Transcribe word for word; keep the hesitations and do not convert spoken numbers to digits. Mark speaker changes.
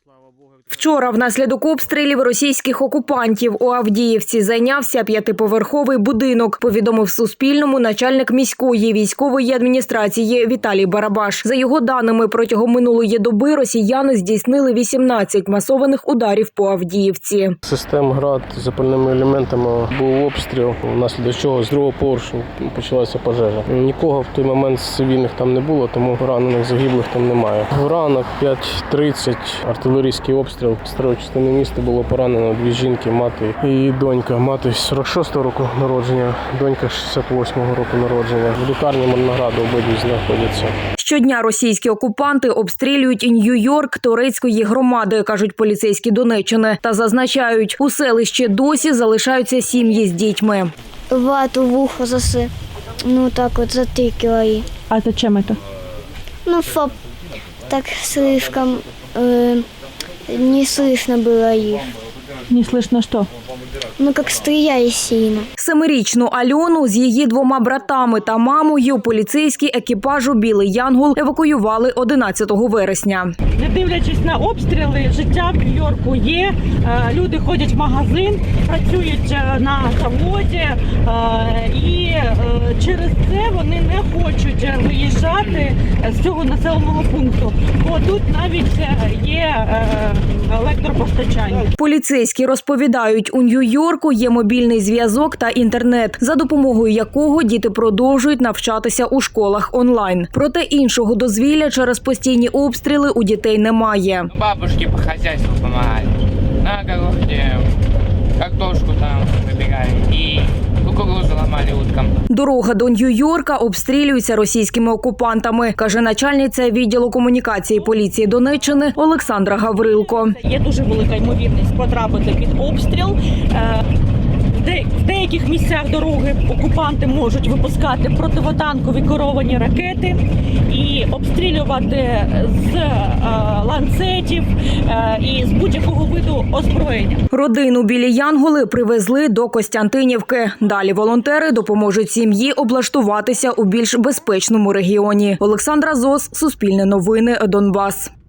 Speaker 1: Вчора внаслідок обстрілів російських окупантів у Авдіївці зайнявся п'ятиповерховий будинок, повідомив Суспільному начальник міської військової адміністрації Віталій Барабаш. За його даними, протягом минулої доби росіяни здійснили вісімнадцять масованих ударів по Авдіївці.
Speaker 2: Систем ГРАД з запальними елементами був обстріл, внаслідок чого з другого поверху почалася пожежа. Нікого в той момент з цивільних там не було, тому ранених, загиблих там немає. В ранок п'ять тридцять артилерійський обстріл. З старої частини міста було поранено дві жінки, мати і донька. Мати сорок шостого року народження, донька шістдесят восьмого року народження. В лікарні Мирнограду обидві знаходяться.
Speaker 1: Щодня російські окупанти обстрілюють Нью-Йорк турецької громади, кажуть поліцейські Донеччини. Та зазначають, у селищі досі залишаються сім'ї з дітьми.
Speaker 3: Вату в ухо заси, ну так от затикала її.
Speaker 4: А зачем это?
Speaker 3: Ну, чтоб так слишком э, не слышно было их.
Speaker 4: Не слышно что?
Speaker 3: Ну, как стреляли сильно.
Speaker 1: Семирічну Альону з її двома братами та мамою поліцейські екіпажу «Білий Янгол» евакуювали одинадцятого вересня.
Speaker 4: Не дивлячись на обстріли, життя в Нью-Йорку є. Люди ходять в магазин, працюють на заводі і через це вони не хочуть виїжджати з цього населеного пункту. Бо тут навіть є електропостачання.
Speaker 1: Поліцейські розповідають, у Нью-Йорку є мобільний зв'язок та інтернет, за допомогою якого діти продовжують навчатися у школах онлайн. Проте іншого дозвілля через постійні обстріли у дітей немає.
Speaker 5: Бабушки по хозяйству допомагають. На огороді картошку там вибігали і кукурузу ламали уткам.
Speaker 1: Дорога до Нью-Йорка обстрілюється російськими окупантами, каже начальниця відділу комунікації поліції Донеччини Олександра Гаврилко.
Speaker 4: Є дуже велика ймовірність потрапити під обстріл. В деяких місцях дороги окупанти можуть випускати противотанкові керовані ракети і обстрілювати з ланцетів і з будь-якого виду озброєння.
Speaker 1: Родину «Білі Янголи» привезли до Костянтинівки. Далі волонтери допоможуть сім'ї облаштуватися у більш безпечному регіоні. Олександра Зос, Суспільне новини, Донбас.